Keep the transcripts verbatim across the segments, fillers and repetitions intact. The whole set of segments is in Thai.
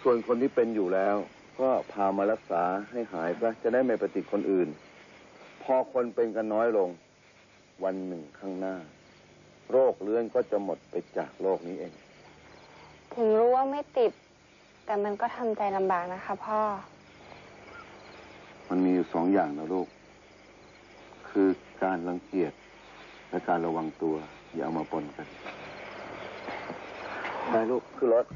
ส่วนคนที่เป็นอยู่แล้วก็พามารักษาให้หายซะจะได้ไม่ไปติดคนอื่นพอคนเป็นกันน้อยลงวันหนึ่งข้างหน้าโรคเรื้อนก็จะหมดไปจากโลกนี้เองถึงรู้ว่าไม่ติดแต่มันก็ทำใจลำบากนะคะพ่อมันมีอยู่สองอย่างนะลูกคือการรังเกียจและการระวังตัวอย่าเอามาปนกันไปลูกขึ้นรถ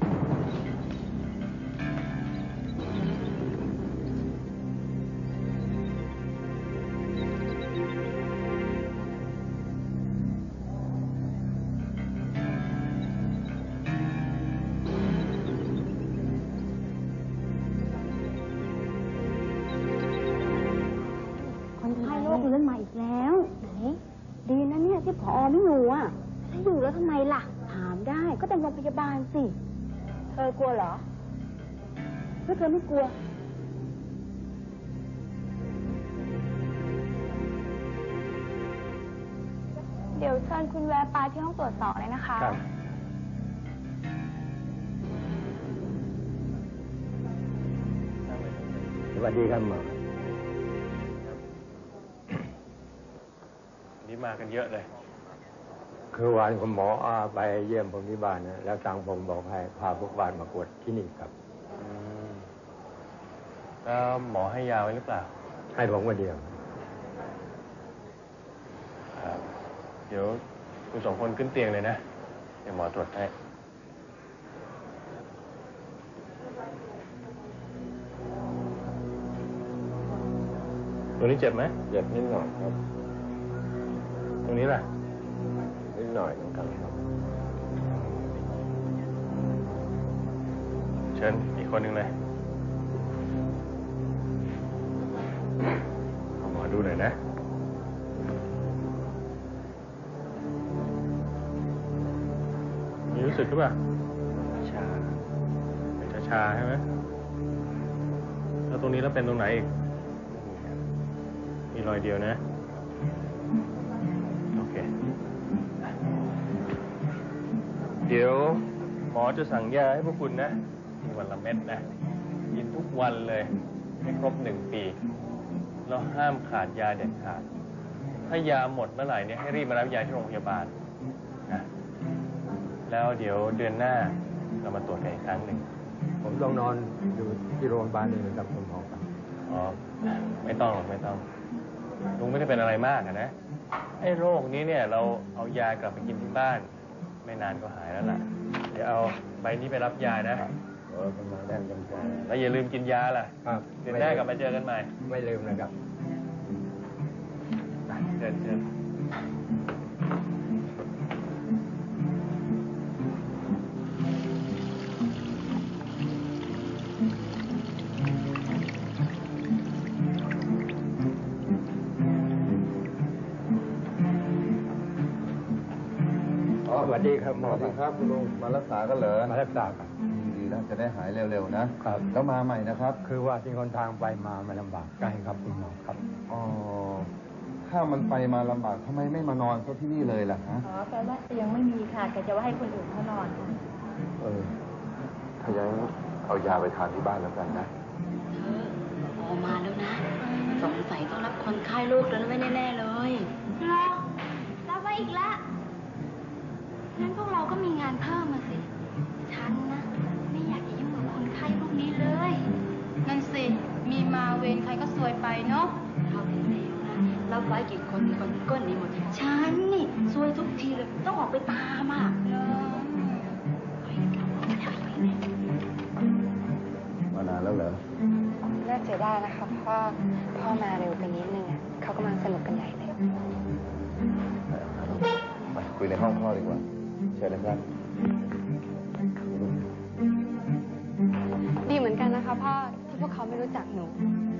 ที่ผอไม่อยู่อ่ะถ้าอยู่แล้วทำไมล่ะถามได้ก็เป็นโรงพยาบาลสิเธอกลัวเหรอถ้าเธอไม่กลัวเดี๋ยวเชิญคุณแวะไปที่ห้องตรวจสอบเลยนะคะครับสวัสดีครับหมอนี่มากันเยอะเลยคือวันคุณหมออาไปเยี่ยมผมที่บ้านนะแล้วทางผมบอกให้พาพวกบ้านมากวดที่นี่ครับแล้วหมอให้ยาไว้หรือเปล่าให้ผมคนเดียวครับเดี๋ยวคุณสองคนขึ้นเตียงเลยนะเดี๋ยวหมอตรวจให้ตัวนี้เจ็บไหมเจ็บนิดหน่อยครับตรงนี้ล่ะนิดหน่อยเหมือนกันครับเชิญอีกคนหนึ่งเลยเอาหมอดูหน่อยนะมีรู้สึกหรือเปล่าชาเป็นชาใช่ไหมแล้วตรงนี้แล้วเป็นตรงไหนอีกมีรอยเดียวนะเดี๋ยวหมอจะสั่งยาให้พวกคุณนะมีวันละเม็ดนะกินทุกวันเลยให้ครบหนึ่งปีแล้วห้ามขาดยาเด็ดขาดถ้ายาหมดเมื่อไหร่เนี่ยให้รีบมารับยาที่โรงพยาบาลนะแล้วเดี๋ยวเดือนหน้าเรามาตรวจกันอีกครั้งหนึ่งผมต้องนอนอยู่ที่โรงพยาบาลนี่กับคุณหมอครับอ๋อไม่ต้องหรอกไม่ต้องลุงไม่ได้เป็นอะไรมากนะไอ้โรคนี้เนี่ยเราเอายากลับไปกินที่บ้านไม่นานก็หายแล้วล่ะเดี๋ยวเอาใบนี้ไปรับยานะเออเป็นมาแน่นจำใจแล้วอย่าลืมกินยาล่ะครับเดี๋ยวหน้ากลับมาเจอกันใหม่ไม่ลืมนะครับเชิญเชิญสวัสดีครับหมอสวัสดีครับคุณลุงมารักษากันเหรอมารักษาครับดีแล้วจะได้หายเร็วๆนะครับแล้วมาใหม่นะครับคือว่าที่คนทางไปมามันลำบากใกล้ครับคุณหมอครับอ๋อถ้ามันไปมาลำบากทำไมไม่มานอนเขาที่นี่เลยล่ะฮะอ๋อแปลว่าเตียงไม่มีค่ะแกจะว่าให้คนอื่นเขานอนค่ะเออถ้าอย่างนั้นเอายาไปทานที่บ้านแล้วกันนะเธอพอมาแล้วนะสงสัยต้องรับคนไข้ลูกแล้วไม่แน่ๆเลยรอรับไว้อีกแล้วงั้นพวกเราก็มีงานเพิ่มมาสิฉันนะไม่อยากจะยุ่งกับคนไข้พวกนี้เลยนั่นสิมีมาเวรใครก็ซวยไปเนาะเขาเห็นแล้วนะรับไว้กี่คนมีคนก้นนี้หมดฉันนี่ซวยทุกทีเลยต้องออกไปตามอ่ะมานานแล้วเหรอน่าเสียดายนะคะพ่อพ่อมาเร็วไปนิดนึงอ่ะเขากำลังสนุกกันใหญ่เลยไปคุยในห้องพ่อดีกว่าเชิญนะครับดีเหมือนกันนะคะพ่อที่พวกเขาไม่รู้จักหนู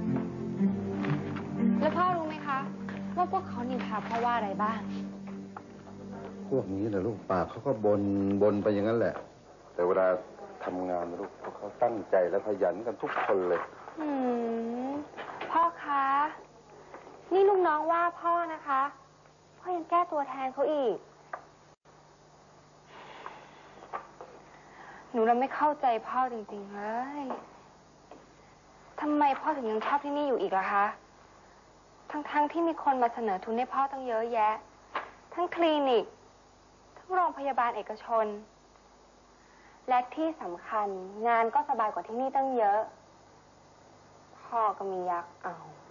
แล้วพ่อรู้ไหมคะว่าพวกเขานินทาพ่อว่าอะไรบ้างพวกนี้นะลูกปากเขาก็บนบนไปอย่างนั้นแหละแต่เวลาทำงานนะลูกพวกเขาตั้งใจและขยันกันทุกคนเลยอืมพ่อคะนี่ลูกน้องว่าพ่อนะคะพ่อยังแก้ตัวแทนเขาอีกหนูเราไม่เข้าใจพ่อจริงๆเลย ทำไมพ่อถึงยังชอบที่นี่อยู่อีกล่ะคะ ทั้งๆ ทที่มีคนมาเสนอทุนให้พ่อตั้งเยอะแยะ ทั้งคลินิก ทั้งโรงพยาบาลเอกชน และที่สำคัญงานก็สบายกว่าที่นี่ตั้งเยอะ พ่อก็มียักษ์เอา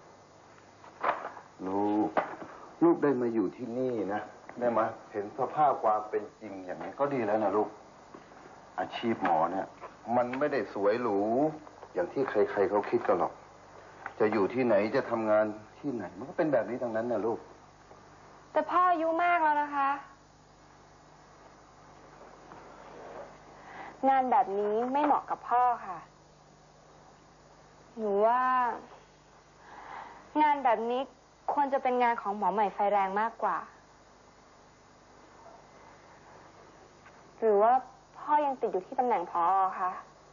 ลูก ลูกได้มาอยู่ที่นี่นะ ได้มาเห็นสภาพความเป็นจริงอย่างนี้ก็ดีแล้วนะลูก อาชีพหมอเนี่ย มันไม่ได้สวยหรูอย่างที่ใครๆเขาคิดกันหรอก จะอยู่ที่ไหนจะทำงานที่ไหน มันก็เป็นแบบนี้ทั้งนั้นนะลูกแต่พ่ออายุมากแล้วนะคะ งานแบบนี้ไม่เหมาะกับพ่อค่ะ หนูว่า งานแบบนี้ควรจะเป็นงานของหมอใหม่ไฟแรงมากกว่า หรือว่าพ่อยังติดอยู่ที่ตำแหน่งผอ.คะ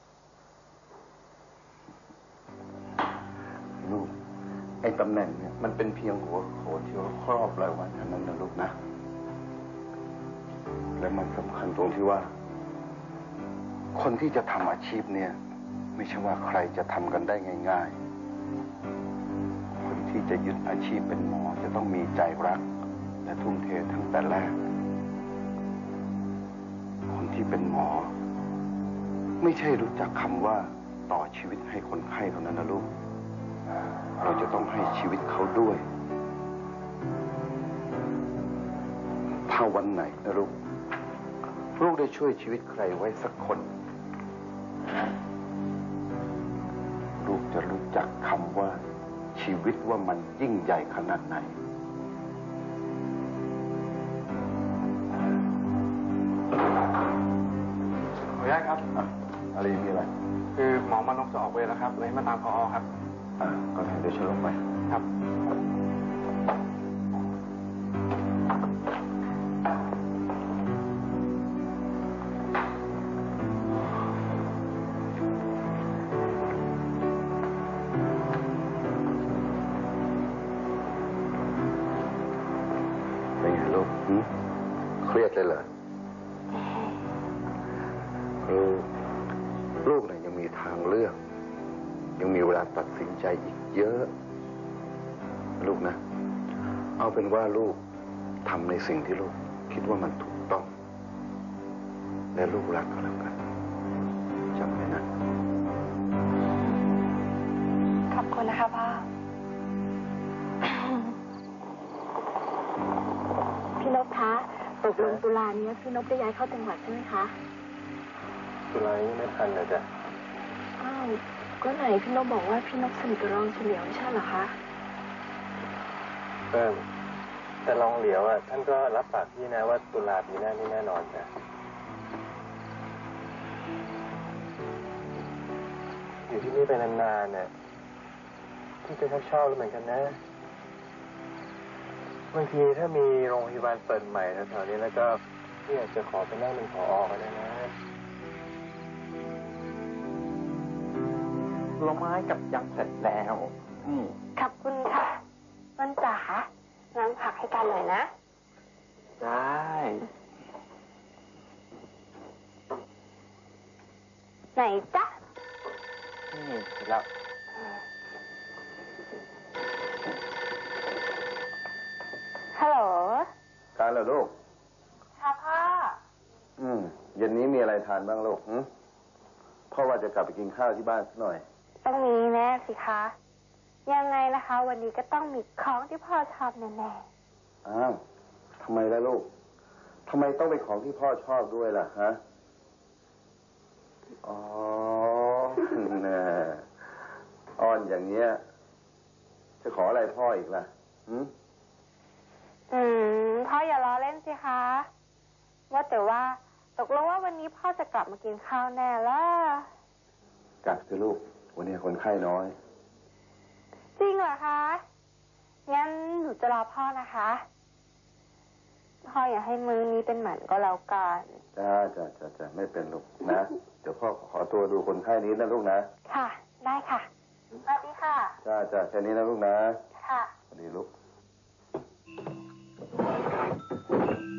ลูก ไอ้ตำแหน่งเนี่ยมันเป็นเพียงหัวโขนที่เขาครอบเราไว้เท่านั้นนะลูกนะ และมันสำคัญตรงที่ว่า คนที่จะทำอาชีพเนี่ย ไม่ใช่ว่าใครจะทำกันได้ง่ายๆ คนที่จะยึดอาชีพเป็นหมอจะต้องมีใจรัก และทุ่มเททั้งแต่แรก คนที่เป็นหมอ ไม่ใช่รู้จักคำว่าต่อชีวิตให้คนไข้เท่านั้นนะลูก เราจะต้องให้ชีวิตเขาด้วย ถ้าวันไหนนะลูก ลูกได้ช่วยชีวิตใครไว้สักคน ลูกจะรู้จักคำว่าชีวิตว่ามันยิ่งใหญ่ขนาดไหนขออนุญาตครับอ่ะ อะไรมีอะไรคือหมอมานพจะออกเวรแล้วครับเลยให้มาตามผอ.ครับอ่าก็ได้เดี๋ยวฉันลงไปครับเป็นไงลูกหึเครียดเลยเหรอลูกลูกเนี่ยยังมีทางเลือก ยังมีเวลาตัดสินใจอีกเยอะ ลูกนะ เอาเป็นว่าลูกทำในสิ่งที่ลูกคิดว่ามันถูกต้อง และลูกรักก็แล้วกันจำไว้นะขอบคุณนะคะพ่อ พี่นพคะตกลงตุลานี้พี่นพได้ย้ายเข้าจังหวัดใช่ไหมคะตุลายังไม่ทันเลยจ้ะอ้าวก็ไหนพี่นพบอกว่าพี่นพสนิทกับรองเฉลียวไม่ใช่เหรอคะเพิ่มแต่รองเหลียวอ่ะท่านก็รับปากพี่นะว่าตุลาปีหน้านี่แน่นอนจ้ะอยู่ที่นี่ไปนานๆเนี่ยพี่จะชอบๆแล้วเหมือนกันนะบางทีถ้ามีโรงพยาบาลเปิดใหม่แถวๆนี้แล้วก็พี่อยากจะขอไปนั่งเป็นผอ.ก็ได้นะผลไม้กับยำเสร็จแล้วอืมขอบคุณค่ะมันจ๋าน้ำผักให้กันหน่อยนะได้ไหนจ๊ะนี่เสร็จแล้วฮัลโหลการเหรอลูกค่ะพ่ออืมเย็นนี้มีอะไรทานบ้างลูกหึพ่อว่าจะกลับไปกินข้าวที่บ้านสักหน่อยต้องมีแน่สิคะ ยังไงนะคะ วันนี้ก็ต้องมีของที่พ่อชอบแน่อ้าวทำไมล่ะลูกทำไมต้องเป็นของที่พ่อชอบด้วยล่ะฮะ อ๋อ น่ะอ้อนอย่างเนี้ย จะขออะไรพ่ออีกล่ะหืมๆอืมพ่ออย่าล้อเล่นสิคะ ว่าแต่ว่าตกลงว่าวันนี้พ่อจะกลับมากินข้าวแน่ล่ะกลับสิลูก วันนี้คนไข้น้อยจริงเหรอคะ งั้นหนูจะรอพ่อนะคะ พ่ออย่าให้มื้อนี้เป็นหมันก็แล้วกันจ้าจ้าจ้าจ้าไม่เป็นลูกนะ เดี๋ยวพ่อขอตัวดูคนไข้นี้นะลูกนะค่ะ ได้ค่ะ สวัสดีค่ะจ้าจ้าแค่นี้นะลูกนะค่ะสวัสดีลูก